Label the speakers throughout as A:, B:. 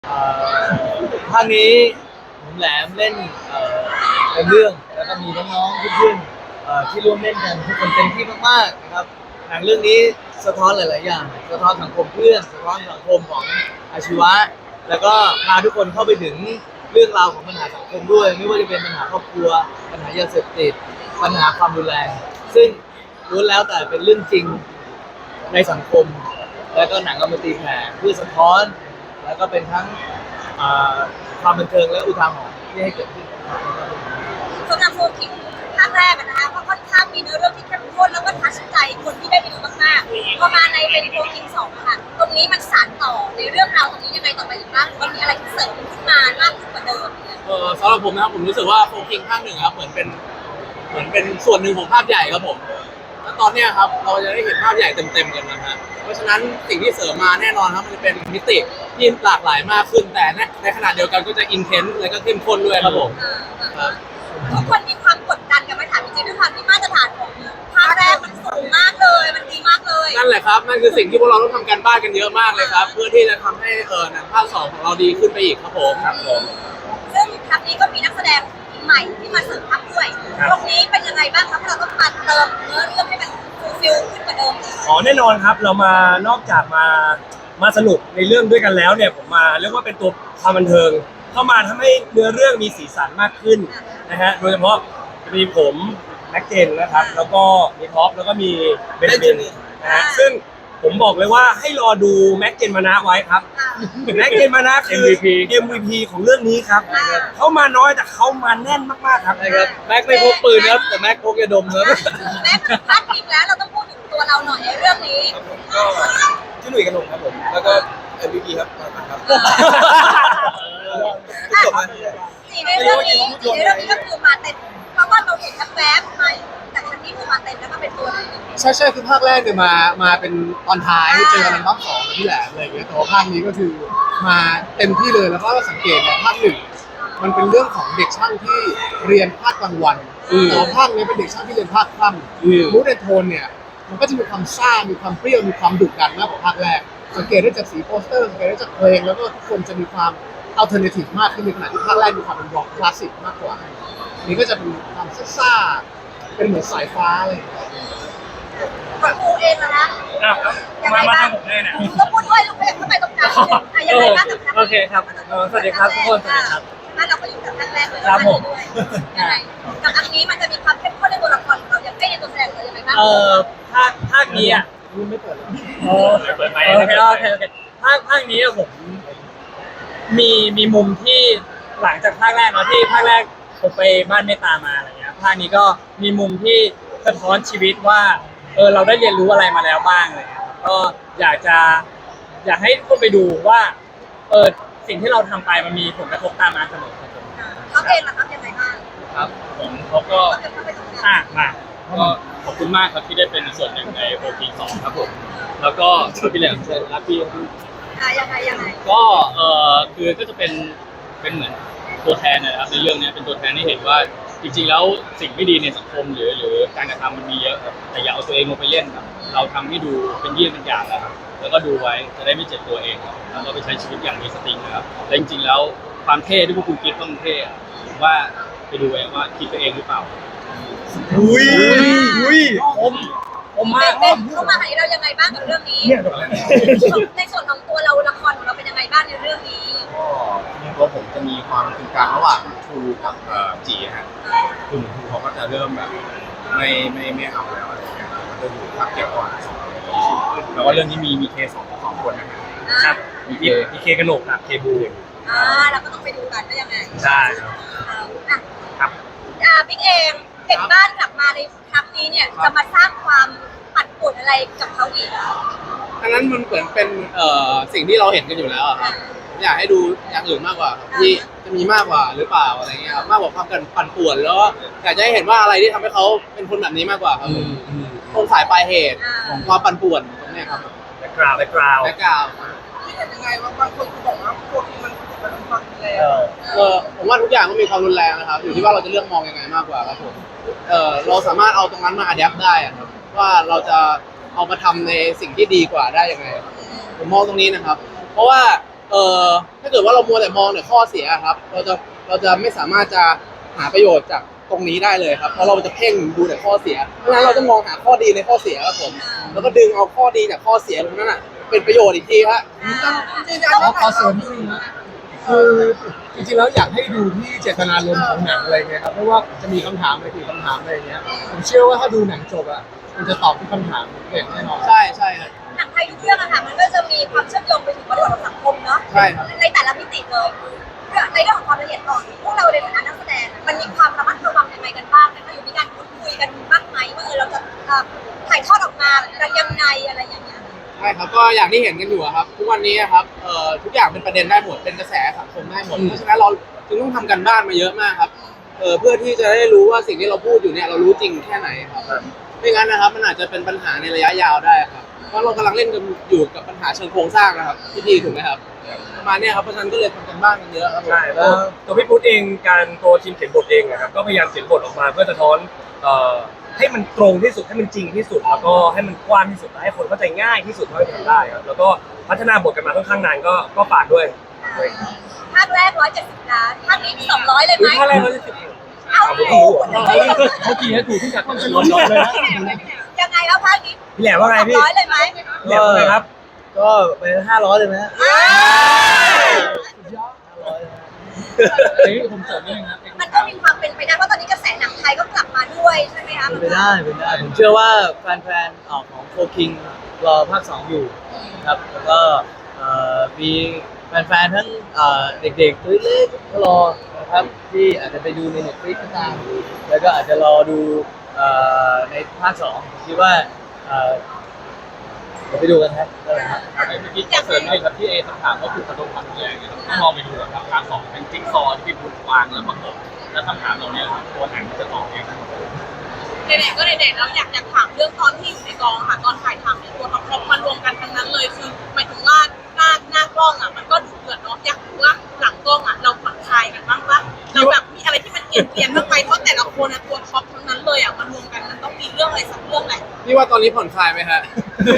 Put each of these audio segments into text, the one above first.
A: ภาคนี้ผมแหลมเล่นเป็นเรื่องแล้วก็มีน้องๆเพื่อนๆที่ร่วมเล่นกันทุกคนเต็มที่มากๆนะครับหนังเรื่องนี้สะท้อนหลายๆอย่างสะท้อนสังคมเพื่อนสะท้อนสังคมของอาชีวะแล้วก็พาทุกคนเข้าไปถึงเรื่องราวของปัญหาสังคมด้วยไม่ว่าจะเป็นปัญหาครอบครัวปัญหายาเสพติดปัญหาความรุนแรงซึ่งล้วนแล้วแต่เป็นเรื่องจริงในสังคมแล้วก็หนังก็มาตีแผ่เพื่อสะท้อนแล้วก็เป็นทั้งอ่าความบันเทิงและอุทาหรณ์ที่ให้เกิดขึ้น
B: สำหรับโฟกิงภาคแรกนะคะก็ค่อนข้างมีเนื้อเรื่องที่เข้มข้นแล้วก็ทัชใจคนที่ได้ไปดูมากๆพอมาในเป็นโฟกิงสองค่ะตรงนี้มันสานต่อในเรื่องราวตรงนี้ยังไงต่อไปอีกบ้างหรือว่ามีอะไรที่เสริมขึ้นมามากขึ้นกว่าเดิม
C: สำหรับผมนะครับผมรู้สึกว่าโฟกิงภาคหนึ่งครับเหมือนเป็นส่วนหนึ่งของภาพใหญ่ครับผมแล้วตอนเนี้ยครับเราจะได้เห็นภาพใหญ่เต็มๆกันนะฮะเพราะฉะนั้นสิ่งที่เสริมมาแน่นอนครับมันจะเป็นมิติที่หลากหลายมากขึ้นแต่ในขณะเดียวกันก็จะอินเทนส์และก็เข้มข้นด้วยครับผมครับ
B: ทุกคนมีความกดดันกันไหมถามจริงๆด้วยความที่มาตรฐานของภาคแรกมันสูงมากเลยมันดีมากเลย
C: นั่นแหละครับนั่นคือสิ่งที่พวกเราต้องทำกันบ้านกันเยอะมากเลยครับเพื่อที่จะทำให้หนังภาค2ของเราดีขึ้นไปอีกครับผม
B: ซึ่งครั้งนี้ก็มีนักแสดงใหม่ที่มาเสริมทัพด้วยตรงนี้เป็นยังไงบ้างครับเราต้องมาเติมเนื้อเรื่องให้มันฟูลฟิลขึ้นกว่าเดิม
D: แน่นอนครับเรามานอกจากมาสนุกในเรื่องด้วยกันแล้วเนี่ยผมมาเรียกว่าเป็นตัวความบันเทิงเข้ามาทำให้เนื้อเรื่องมีสีสันมากขึ้นนะฮะโดยเฉพาะจะมีผมแม็กเจนนะครับแล้วก็มีท็อปแล้วก็มีเบนจามินนะฮะซึ่งผมบอกเลยว่าให้รอดูแม็กเจนมานะไว้ครับแม็กเจนมานะคือ MVP ของเรื่องนี้ครับเขามาน้อยแต่เขามาแน่นมากๆครับ
A: ใช่ครับแม็กไม่พกปืนครับแต่แม็กพกยาดมครับ
B: แม็กพาดพิงแล้วเราต้องพูดถึงตัวเราหน่อยในเรื่องนี้
E: ก็ชื่อหนุ่ยกระหนกครับผมแล้วก็ MVP ครับครับจบไหม
B: ในเรื่องนี้ก็คือมาเต็มเพราะว่าเราเห็นแวบๆมาแต่ครั้งนี้คือมาเต็มแล้วก็เป็นตัวเลย
C: ใช่คือภาคแรกเนี่ยมาเป็นตอนท้ายเจอกันในรอบ2กับพี่แหลมอะไรอย่างเงี้ยแต่ว่าภาคนี้ก็คือมาเต็มที่เลยแล้วก็สังเกตเนี่ยภาคหนึ่งมันเป็นเรื่องของเด็กช่างที่เรียนภาคกลางวันแต่ว่าภาคนี้เป็นเด็กช่างที่เรียนภาคค่ำมูดแอนโทนเนี่ยมันก็จะมีความซ่ามีความเปรี้ยวมีความดุดันมากกว่าภาคแรกสังเกตได้จากสีโปสเตอร์สังเกตได้จากเพลงแล้วก็ทุกคนจะมีความอัลเทอร์เนทีฟมากขึ้นในขณะที่ภาคแรกมีความเป็นร็อกคลาสสิกมากกว่านี่ก็จะเป็นความซ่าเป็นเหมือนสายฟ้าเลย
B: ครูเองนะยังไงบ้างก็พูดด้วยลูกเพจเข้าไปตรงกลางยังไงบ้าง
D: โอเคครับสวัสดีครับทุกคนสวัสดีครับ
B: ถ้าเราก็อยู่กับครั้งแรกเลยครับผมยังไงกับอันนี้มันจะมีความเข้มข้นในตัวละครเราอย่างใกล้ในตัวแสดงเรายังไงบ้าง
D: ภาคนี้อ่ะ
A: ไม่เปิดเลย
D: เปิดไหมโอเคภาคนี้ผมมีมุมที่หลังจากภาคแรกเนาะที่ภาคแรกผมไปบ้านเมตตามาอะไรเงี้ยภาคนี้ก็มีมุมที่สะท้อนชีวิตว่าเราได้เรียนรู้อะไรมาแล้วบ้างเลยก็อยากให้ทุกคนไปดูว่าสิ่งที่เราทำไปมันมีผลกระทบตามมาเสมอครับผม
B: เขาเองนะครับยังไงบ้าง
C: ครับผมเขาก็
D: มา
C: ก็ขอบคุณมากครับที่ได้เป็นส่วนหนึ่งในโปรตีน2ครับผมแล้วก็พี่แหลมเชิญรับพี่
B: ยังไง
C: ก็คือก็จะเป็นเหมือนตัวแทนนะครับในเรื่องนี้เป็นตัวแทนที่เห็นว่าจริงๆแล้วสิ่งไม่ดีในสังคมหรือการกระทำมันมีเยอะครับแต่อย่าเอาตัวเองลงไปเล่นครับเราทำให้ดูเป็นเยี่ยงเป็นอย่างนะครับแล้วก็ดูไว้จะได้ไม่เจ็บตัวเองครับแล้วก็ไปใช้ชีวิตอย่างมีสตินะครับและจริงๆแล้วความเท่ที่พวกคุณคิดว่ามันเท่ผมว่าไปดูเองว่าคิดไปเองหรือเปล่า
D: ผมมาก
B: เข้ามาหาเรายังไงบ้างกับเรื่องนี้ในส่วนของตัวเราละครของเราเป็นยังไงบ้างในเรื่องนี้
E: ตัวผมจะมีความกึ่งกลางระหว่างทูกับจีฮะคือเหมือนทูเขาก็จะเริ่มแบบไม่เอาแล้วอะไรเงี้ยมันจะอยู่ภาคเกี่ยวก่อนแล้วก็เรื่องนี้มีเคสองคนนะครับ
D: มีเคกระโหลกกับเคบู
B: เราก็ต้องไปดูกันว่ายังไง
D: ใช่
B: ครับบิ๊กเองเห็นบ้านกลับมาในครั้งนี้เนี่ยจะมาสร้างความปั่นป่วนอะไรกับเขาอีก
C: อันนั้นมันเหมือนเป็นสิ่งที่เราเห็นกันอยู่แล้วครับอยากให้ดูอย่างอื่นมากกว่าที่จะมีมากกว่าหรือเปล่าอะไรเงี้ยมากกว่าความปั่นป่วนแล้วอยากจะให้เห็นว่าอะไรที่ทำให้เขาเป็นคนแบบนี้มากกว่าครับต้นสายปลายเหตุของความปั่นป่วนตรงนี้ครับ
D: แบ็คกราวด์
E: ที่เป็นยังไงว่าบางคนบอกว่าพวกมันเป็นความรุนแรง
C: ผมว่าทุกอย่างก็มีความรุนแรงนะครับอยู่ที่ว่าเราจะเลือกมองยังไงมากกว่าครับผมเราสามารถเอาตรงนั้นมาอัดแอปได้ครับว่าเราจะเอามาทำในสิ่งที่ดีกว่าได้ยังไงผมมองตรงนี้นะครับเพราะว่าถ้าเกิดว่าเรามัวแต่มองแต่ข้อเสียครับเราจะไม่สามารถจะหาประโยชน์จากตรงนี้ได้เลยครับเพราะเราจะเพ่งดูแต่ข้อเสียเพราะฉะนั้นเราจะมองหาข้อดีในข้อเสียครับผมแล้วก็ดึงเอาข้อดีจากข้อเสียตรงนั้นอ่ะเป็นประโยชน์อีกทีครับ ขอเสริมนิดนึงนะคือจริงๆแล้วอยากให้ดูที่เจตนารมณ์ของหนังอะไรเงี้ยครับไม่ว่าจะมีคำถามอะไรกี่คำถามอะไรเงี้ยผมเชื่อว่าถ้าดูหนังจบอ่ะมันจะตอบทุกคำถามอย่างแน่นอนใช่ครับ
B: หนังไทยทุกเรื่องอะค่ะมันก็จะมีความเชื่อมโยงไปถึงบริบทของสังคมเนาะ
C: ใช่ครับ
B: ในแต่ละมิติเลยในเรื่องของความละเอียดอ่อนพวกเราในฐานะนักแสดงมันมีความระมัดระวังยังไงกันบ้างนะคะอยู่มีการพูดคุยกันบ้างไหมว่าเราจะถ่ายทอดออกมายังไงอะไรอย่างเงี้ย
C: ใช่ครับก็อย่างที่เห็นกันอยู่อะครับทุกวันนี้อะครับทุกอย่างเป็นประเด็นได้หมดเป็นกระแสสังคมได้หมดเพราะฉะนั้นเราจึงต้องทำกันบ้านมาเยอะมากครับเพื่อที่จะได้รู้ว่าสิ่งที่เราพูดอยู่เนี่ยเรารู้จริงแค่ไหนครับไม่งั้นนะครับมันอาจจะเป็นปัญหาในระยะยาวได้ครับเพราะเรากำลังเล่นกันอยู่กับปัญหาเชิงโครงสร้างนะครับพี่ถูกไหมครับประมาณเนี้ยครับเพราะฉะนั้นก็เลยทำกันบ้านกันเยอะครับผม
D: ใช่แล้วตัวพี่พุทธเองการตัวทีมเขียนบทเองนะครับก็พยายามเขียนบทออกมาเพื่อสะท้อนให้มันตรงที่สุดให้มันจริงที่สุดแล้วก็ให้มันกว้างที่สุดและให้คนเข้าใจง่ายที่สุดเท่าที่ทำได้ครับแล้วก็พัฒนาบทกันมาค่อนข้างนานก็ฝากด้วย
B: ภาคแรก170 ล้านภาคนี้200เลยไหม
D: ถ้าแรกเราจะสิบ
B: เอา
D: เมื่อกี้ถูกที่จากต้นชนเลยนะ
B: ยังไงแล้วภาคนี้
D: พี่แหลมว่าไงพี่
B: 200เลยไหม
D: พี่แหลมว่าไงครับ
A: ก็ไป500เลยไหมฮะ
C: ผมเสริมนิดนึงครับ
B: มันก็มีความเป็นไปได้เพราะตอนนี้กระแสหนังไทยก็กลับมาด้วยใช่ไหมคะ
A: เป็นไปได้ผมเชื่อว่าแฟนๆของโฟคิงรอภาค 2 อยู่นะครับแล้วก็มีแฟนๆทั้งเด็กๆตัวเล็กก็รอนะครับที่อาจจะไปดูใน Netflix ก็ตามแล้วก็อาจจะรอดูในภาค 2ผมคิดว่าเดี๋ยวไปดูกันครับ
E: เมื่อกี้เสริมเลยครับที่คำถามก็คือประตูความแรงนะครับถ้ามองไปดูครับภาคสองเป็นจิ๊กซอว์ที่พี่พุทธวางแล้วประกบแล้วคำถามเราเนี่ยตัวหนังจะตอบเองทั้งหมด
F: เด็กๆก็เด็กๆแล้วอยากถามเรื่องตอนที่อยู่ในกองค่ะตอนถ่ายทำเนี่ยตัวท็อปๆมารวมกันทั้งนั้นเลยคือหมายถึงว่าหน้ากล้องอ่ะมันก็ดุเดือดเนาะอยากรู้ว่าหลังกล้องอ่ะเราผ่อนคลายกันบ้างปะเราแบบมีอะไรที่มันเปลี่ยนบ้างไหมเพราะแต่ละคนอ่ะตัวท็อปทั้งนั้นเลยอ่ะมารวมกันมันต้องมีเรื่องอะไรสักเรื่องแหละ
C: พี่ว่าตอนนี้ผ่อนคลายไหมฮะ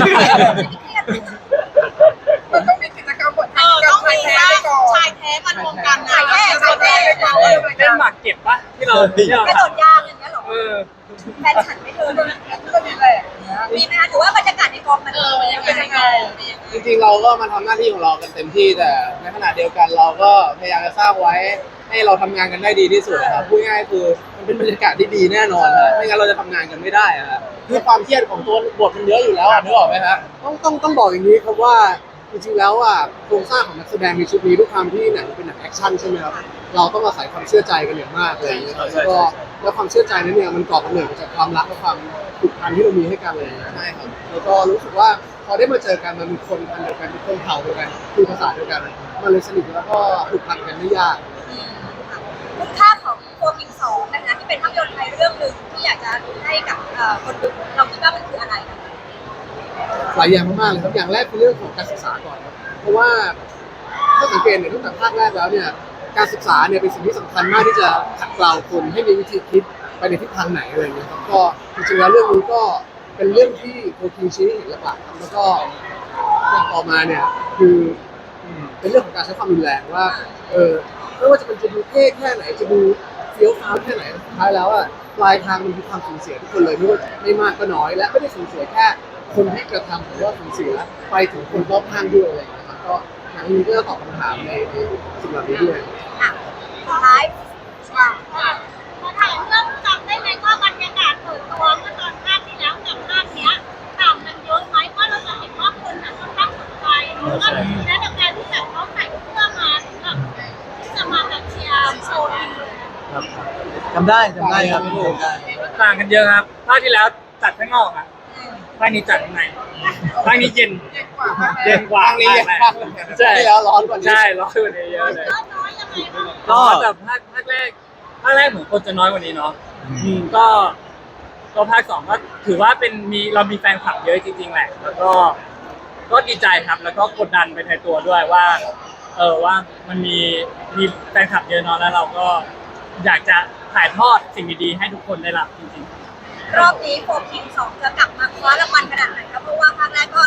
F: มันต้องมีกิจกรรมบทต้องมีว่าชายแท้มารวมกันนะ
B: ชายแท้ชายแท้
D: เล่นหมากเก็บปะที่เรา
B: กระโดดยางอย่างเงี้ยเหรอ
D: เออ
B: แฟนฉันไม่เธอเลยมีไหมคะหรือว่าบรรยากาศในกองมันเป็นยังไง
C: จริงๆเราก็มาทำหน้าที่ของเรากันเต็มที่แต่ในขณะเดียวกันเราก็พยายามจะสร้างไว้ให้เราทำงานกันได้ดีที่สุดนะครับพูดง่ายๆคือมันเป็นบรรยากาศที่ดีแน่นอนนะไม่งั้นเราจะทำงานกันไม่ได้อะครับคือความเครียดของตัวบทมันเยอะอยู่แล้วนึกออกไหมครับต้องบอกอย่างนี้ครับว่าจริงๆแล้วโครงสร้างของนักแสดงในชุดนี้ด้วยความที่หนังเป็นหนังแอคชั่นใช่ไหมครับเราต้องอาศัยความเชื่อใจกันอย่างมากเลยแล้วความเชื่อใจนั้นเนี่ยมันก่อกำเนิดมาจากความรักและความผูกพันที่เรามีให้กันเลยใช่ครับแล้วก็รู้สึกว่าพอได้มาเจอกันมันมีคนพันเดียวกันมีคนเผ่าเดียวกันคุยภาษาเดียวกันมันเลยสนิทแล้วก็ผูกพันกันไม่ยาก
B: คุณค่าของตัวคิง2นะคะที่เป็นภาพยนตร์ไทยเรื่องหนึ่งที่อยากจะให้กับคนดูเราคิดว่ามันคืออะไรคะ
C: หลายอย่างมากๆเลยครับอย่างแรกคือเรื่องของการศึกษาก่อนครับเพราะว่าถ้าสังเกตเนี่ยตั้งแต่ภาคแรกแล้วเนี่ยการศึกษาเนี่ยเป็นสิ่งที่สำคัญมากที่จะขัดเกลาคนให้มีวิธีคิดไปในทิศทางไหนอะไรอย่างเงี้ยครับก็จริงๆแล้วเรื่องนี้ก็เป็นเรื่องที่โคคิงชี้ให้เห็นหลักๆครับแล้วก็อย่างต่อมาเนี่ยคือเป็นเรื่องของการใช้ความรุนแรงว่าไม่ว่าจะดูเท่แค่ไหนจะดูเฟี้ยวฟ้าวแค่ไหนสุดท้ายแล้วปลายทางมันคือความสูญเสียทุกคนเลยไม่มากก็น้อยและไม่ได้สูญเสียแค่คนที่กระทำหรือว่าสูญเสียไปถึงคนรอบข้างด้วยอะไรอย่างเงี้ยครับก็หนังนี้ก็จะตอบคำถามในสิ่งเหล่านี้ด้วย
B: สุดท้าย
F: มาถามเรื่องจำได้ไหมว่าบรรยากาศเปิดตัวเมื่อตอนภาคที่แล้วกับภาคเนี้ยต่างกันเยอะไหมเพราะเราจะเห็นว่าคนค่อนข้างสนใจแล้วก็และจากการที่แบบเขาใส่เสื้อมาถึงแบบที่จะมาแบบเชียร์โชว์ทีม
A: ครับจำได้ครับได้
D: ต่างกันเยอะครับภาคที่แล้วจัดข้างนอกอ่ะภาคนี้จัดข้างในภาคนี้เย็นกว่า
C: ภาคนี้
D: ภาคแรก
C: ใช่แล้วร้อนกว่านี้
D: ใช่ร้อนกว่านี้เยอะเลย
F: น้อยยังไงบ้าง
D: ก็แต่ภาคแรกเหมือนคนจะน้อยกว่านี้เนาะก็ภาคสองก็ถือว่าเป็นเรามีแฟนคลับเยอะจริงๆแหละแล้วก็ดีใจครับแล้วก็กดดันไปในตัวด้วยว่าว่ามันมีแฟนคลับเยอะเนาะแล้วเราก็อยากจะถ่ายทอดสิ่งดีๆให้ทุกคนได้รับจริงๆ
B: รอบนี้โฟคิง2จะกลับมาคว้ารางวัลขนาดไหนครับเพราะว่าภาคแรกก็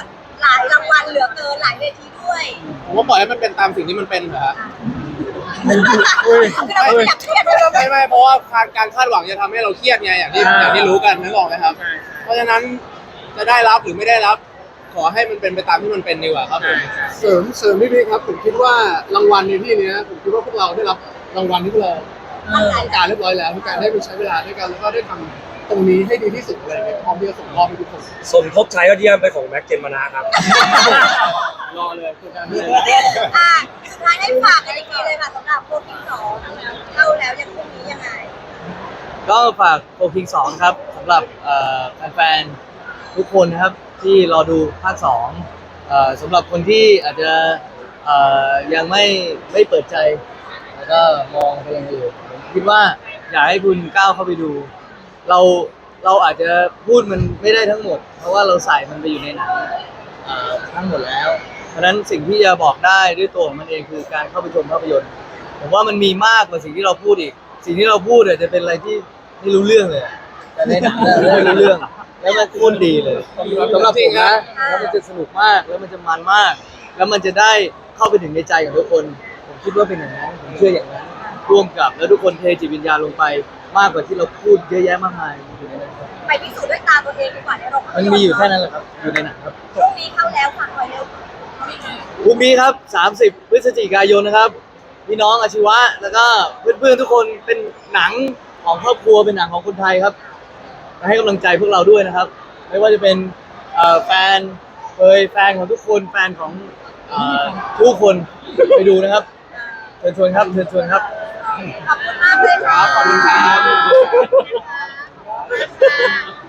B: หลายรางวัลเหลือเกินหลายเวทีด้วย
C: ผมว่าปล่อยให้มันเป็นตามสิ่งที่มันเป็นเถอะฮะ
B: คือเราไม่อยากเครียดเลย
C: ไม่เพราะว่าการคาดหวังจะทำให้เราเครียดไงอย่างที่รู้กันนึกออกไหมครับ เพราะฉะนั้นจะได้รับหรือไม่ได้รับ ขอให้มันเป็นไปตามที่มันเป็นดีกว่าครับผมเสริมพี่พี่ครับผมคิดว่ารางวัลในที่นี้ผมคิดว่าพวกเราได้รับรางวัลที่พวกเราต้องการเรียบร้อยแล้วทุกการได้ไปใช้เวลาด้วยกันแล้วก็ได้ทำตรงนี้ให้ดีที่สุดอะไรเงี้ยพร้อมที่จะส่งมอบให้ทุกคน
D: สมทบชายยอดเยี่ยมไปของแม็กเจนมานะครับ
C: รอเลยคือการ
B: สุดท้ายได้ฝากกันอีกทีเลยค่ะสำหรับโปรคิง2เข้าแล้วยังพรุ่งนี้ยังไง
A: ก็ฝากโฟคิง2ครับสำหรับแฟนๆทุกคนนะครับที่รอดูภาค2สำหรับคนที่อาจจะยังไม่เปิดใจ แล้วก็มองไปอย่างอื่นผมคิดว่าอยากให้คุณก้าวเข้าไปดู เราอาจจะพูดมันไม่ได้ทั้งหมด เพราะว่าเราใส่มันไปอยู่ในหนังทั้งหมดแล้ว เพราะฉะนั้นสิ่งที่จะบอกได้ด้วยตัวของมันเองคือการเข้าไปชมภาพยนตร์ผมว่ามันมีมากกว่าสิ่งที่เราพูดอีก สิ่งที่เราพูดเนี่ยจะเป็นอะไรที่ไม่รู้เรื่องเลยแต่ในหนังเนี่ยไม่รู้เรื่อง แล้วมันโคตรดีเลยสำหรับผมนะแล้วมันจะสนุกมากแล้วมันจะมันมาก แล้วมันจะได้เข้าไปถึงในใจของทุกคน ผมคิดว่าเป็นอย่างนั้นผมเชื่ออย่างนั้นร่วมกับแล้วทุกคนเทจิตวิญญาณลงไปมากกว่าที่เราพูดเยอะแยะมากมายอยู่ในนั้นครับ
B: ไปพิสูจน์ด้วยตาตัวเองดีกว่าในโรงภาพ
A: มัน
B: ยนตร์
A: มีอยู่แค่นั้นแหละครับอยู่ในหนังครับ
B: พรุ่งนี้เข้าแล้วฝากไว้เร็ว
A: พรุ่งนี้ครับ 30 พฤศจิกายนนะครับ พี่น้องอาชีวะ แล้วก็เพื่อนๆทุกคนเป็นหนังของครอบครัว เป็นหนังของคนไทยครับมาให้กำลังใจพวกเราด้วยนะครับ ไม่ว่าจะเป็นแฟนแฟนของทุกคน แฟนของทุกคนไปดูนะครับ เชิญชวนครับ เชิญชวนครับ
B: ขอบคุณมากเลยค่ะ
C: ขอบคุณครับ